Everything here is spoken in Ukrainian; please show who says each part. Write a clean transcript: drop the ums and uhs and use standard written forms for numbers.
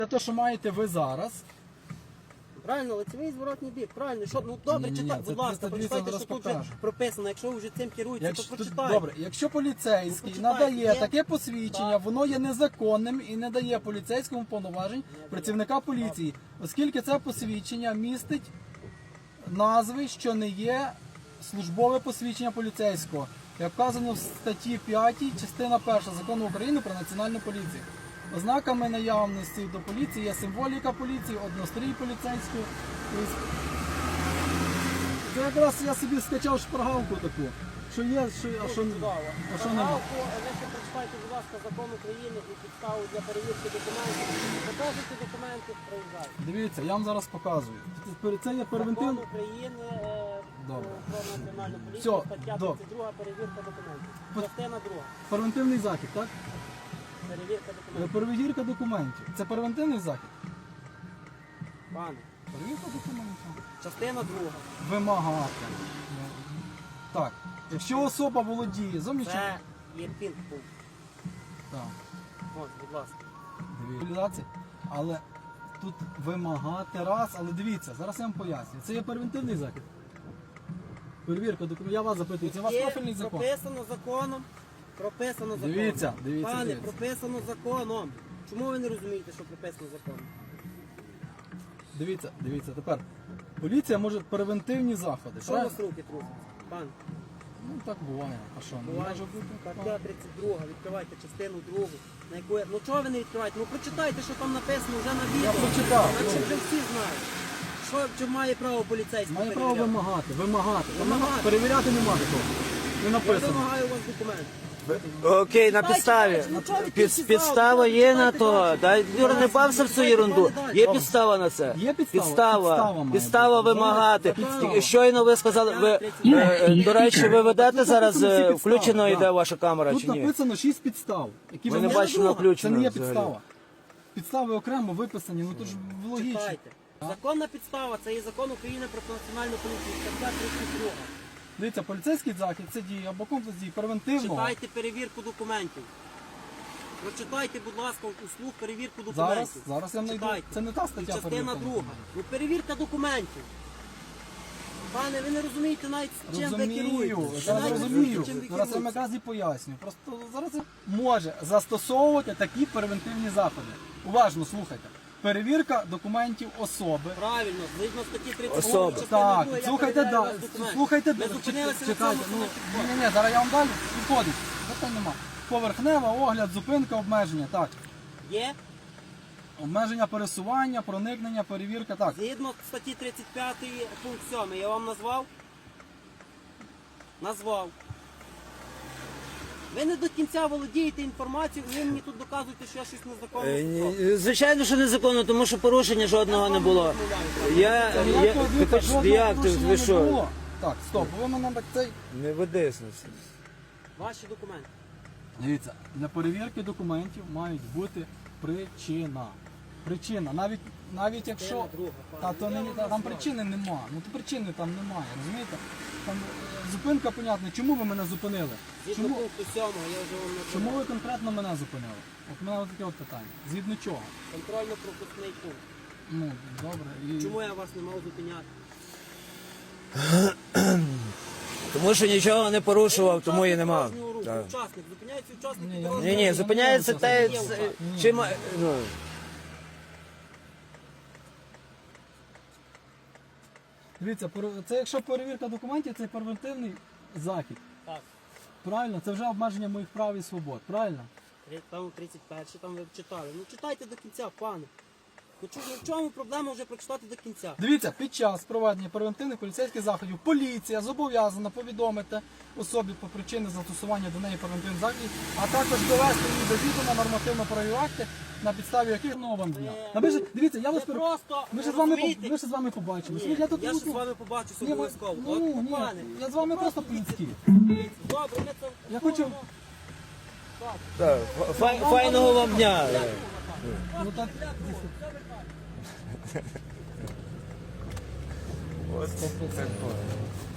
Speaker 1: Це те, що маєте ви зараз.
Speaker 2: Правильно, лицевий зворотний бік, правильно. Що, ну добре,
Speaker 1: Ні-ні-ні,
Speaker 2: читай,
Speaker 1: це
Speaker 2: будь ласка,
Speaker 1: 302
Speaker 2: прочитайте,
Speaker 1: зараз
Speaker 2: що тут вже
Speaker 1: покажу.
Speaker 2: прописано. Якщо ви вже цим керуєтеся, то прочитайте.
Speaker 1: Добре, якщо поліцейський
Speaker 2: Ну, почитайте,
Speaker 1: надає
Speaker 2: є.
Speaker 1: таке посвідчення,
Speaker 2: Так.
Speaker 1: воно є незаконним і не дає поліцейському повноважень працівника поліції, оскільки це посвідчення містить назви, що не є службове посвідчення поліцейського, як вказано в статті 5, частина 1 Закону України про національну поліцію. Ознаками наявності до поліції є символіка поліції, однострій поліцейський. Це якраз я собі скачав шпаргалку таку, що є, а що нема.
Speaker 2: Ви ще прочитайте, будь ласка, закон України і підставу для перевірки документів. Покажете документи, проїжджайте.
Speaker 1: Дивіться, я вам зараз показую. Це є
Speaker 2: Закон
Speaker 1: превентивний.
Speaker 2: України
Speaker 1: Добре.
Speaker 2: про національну поліцію,
Speaker 1: Всьо,
Speaker 2: стаття
Speaker 1: добре.
Speaker 2: 32, перевірка документів. Частина 2,
Speaker 1: Превентивний захід, так?
Speaker 2: перевірка документів.
Speaker 1: Перевірка документів. Це превентивний захід?
Speaker 2: Пане,
Speaker 1: Перевірка документів.
Speaker 2: частина 2.
Speaker 1: Вимагати. Так. Якщо особа володіє зовнішньо...
Speaker 2: Це є пінг-пункт.
Speaker 1: Так.
Speaker 2: Ось, будь ласка.
Speaker 1: Дивіться. Але тут вимагати раз, але дивіться, зараз я вам поясню. Це є превентивний захід. Перевірка документів. Я вас запитую, це у вас
Speaker 2: Є
Speaker 1: профільний закон?
Speaker 2: прописано законом. Прописано законом.
Speaker 1: Дивіться.
Speaker 2: Пане, прописано законом. Чому ви не розумієте, що прописано законом?
Speaker 1: Дивіться, тепер. Поліція може превентивні заходи.
Speaker 2: Що у вас руки трусять? Пан,
Speaker 1: Ну так буває. А що? Не
Speaker 2: буває.
Speaker 1: може бути?
Speaker 2: Стаття 32, відкривайте частину 2. На яку я... Ну чого ви не відкриваєте? Ну прочитайте, що там написано вже на відео.
Speaker 1: Я прочитав.
Speaker 2: Наче вже всі знають. Що має право поліцейський
Speaker 1: Має право
Speaker 2: перевіряти?
Speaker 1: вимагати.
Speaker 2: Вимагати.
Speaker 1: Перевіряти нема такого. Не
Speaker 2: Я
Speaker 1: написано.
Speaker 2: вимагаю у вас документ.
Speaker 3: Окей, на підставі.
Speaker 2: Ну, чого ви тільки
Speaker 3: Підстава
Speaker 2: зразу?
Speaker 3: є на
Speaker 2: Читайте
Speaker 3: то.
Speaker 2: далі.
Speaker 3: Дай, Юра, не бався в цю ерунду. Є підстава на це.
Speaker 1: Є підстава? Підстава
Speaker 3: Підстава
Speaker 1: має бути.
Speaker 3: вимагати.
Speaker 1: Підстава.
Speaker 3: Щойно ви сказали, до речі, ви ведете зараз,
Speaker 1: Тут написано всі підстави,
Speaker 3: включено
Speaker 1: так.
Speaker 3: йде ваша камера
Speaker 1: Тут
Speaker 3: чи ні?
Speaker 1: написано 6 підстав. Які
Speaker 3: Ми
Speaker 1: ви
Speaker 3: не бачимо
Speaker 1: Це
Speaker 3: включено
Speaker 1: не є
Speaker 3: взагалі.
Speaker 1: підстава. Підстави окремо виписані, ну то ж логічно.
Speaker 2: Читайте. Законна підстава, це є закон України про національну поліцію, стаття 32.
Speaker 1: Дивіться, поліцейський захід це діє або комплекс дій превентивного.
Speaker 2: Читайте перевірку документів. Прочитайте, будь ласка, услуг перевірку
Speaker 1: Зараз
Speaker 2: документів.
Speaker 1: я знайду.
Speaker 2: Читайте.
Speaker 1: Це не та
Speaker 2: І
Speaker 1: стаття
Speaker 2: частина
Speaker 1: перевірка.
Speaker 2: 2. Ну перевірка документів. Пане, ви не розумієте навіть з чим ви керуєте.
Speaker 1: Розумію,
Speaker 2: Ви
Speaker 1: зараз
Speaker 2: навіть не
Speaker 1: розумію.
Speaker 2: розумієте, чим ви
Speaker 1: Зараз я вам
Speaker 2: керуєте.
Speaker 1: якраз і поясню. Просто зараз я може застосовувати такі превентивні заходи. Уважно слухайте. Перевірка документів особи.
Speaker 2: Правильно, згідно статті 32.
Speaker 3: Особи.
Speaker 2: частини
Speaker 1: Так,
Speaker 2: 2, я
Speaker 1: слухайте
Speaker 2: перевіряю
Speaker 1: далі.
Speaker 2: ваш документ.
Speaker 1: Слухайте
Speaker 2: Ми
Speaker 1: далі.
Speaker 2: зупинилися на
Speaker 1: Чекайте.
Speaker 2: цьому,
Speaker 1: Ні, зараз я вам далі підходить. Питань нема. Поверхнева, огляд, зупинка, обмеження. Так.
Speaker 2: Є,
Speaker 1: Обмеження пересування, проникнення, перевірка. Так.
Speaker 2: згідно статті 35 пункт 7. Я вам назвав? Назвав. Ви не до кінця володієте інформацією, і ви мені тут доказуєте, що я щось незаконно зробив.
Speaker 3: Звичайно, що незаконно, тому що порушення жодного не було. Ви що?
Speaker 1: Так, стоп, ви мене так цей.
Speaker 3: Не ведись на це.
Speaker 2: Ваші документи.
Speaker 1: Дивіться, для перевірки документів мають бути причина. Причина. Навіть якщо. Там причини нема. Ну то причини там немає, розумієте? Там зупинка, понятно. Чому ви мене зупинили?
Speaker 2: Згідно пункту 7, я вже вам
Speaker 1: Чому
Speaker 2: назвав.
Speaker 1: ви конкретно мене зупинили? От мене таке от питання. Згідно чого?
Speaker 2: Контрольно-пропускний пункт.
Speaker 1: Ну, добре. І...
Speaker 2: Чому я вас не мав зупиняти?
Speaker 3: Тому що нічого не порушував, тому і нема. Так.
Speaker 2: Учасник, зупиняється учасник.
Speaker 1: Ні,
Speaker 2: і
Speaker 1: я
Speaker 2: дорожній
Speaker 1: не-
Speaker 3: Ні, зупиняється те, чим... Ну,
Speaker 1: Дивіться, це якщо перевірка документів, це превентивний захід.
Speaker 2: Так.
Speaker 1: Правильно? Це вже обмеження моїх прав і свобод. Правильно?
Speaker 2: Там 31, там ви читали. Ну читайте до кінця, пане. Ну в чому проблема вже прочитати до кінця?
Speaker 1: Дивіться, під час проведення превентивних поліцейських заходів поліція зобов'язана повідомити особі про причини застосування до неї превентивних заходів, а також довести її до відома нормативно-правові акти, на підставі яких вам дня. Дивіться, я вас
Speaker 2: просто
Speaker 1: ми
Speaker 2: розумієте?
Speaker 1: ще з вами побачимося.
Speaker 2: Ні,
Speaker 1: Я тут
Speaker 2: я
Speaker 1: ну,
Speaker 2: ще з вами побачуся
Speaker 1: ні,
Speaker 2: обов'язково.
Speaker 1: ну,
Speaker 2: От,
Speaker 1: ні,
Speaker 2: пане,
Speaker 1: я з вами просто по-людськи.
Speaker 2: Добре, ми це...
Speaker 1: Я хочу-
Speaker 3: так, файного вам дня.
Speaker 1: Ну, так,
Speaker 3: Ось це.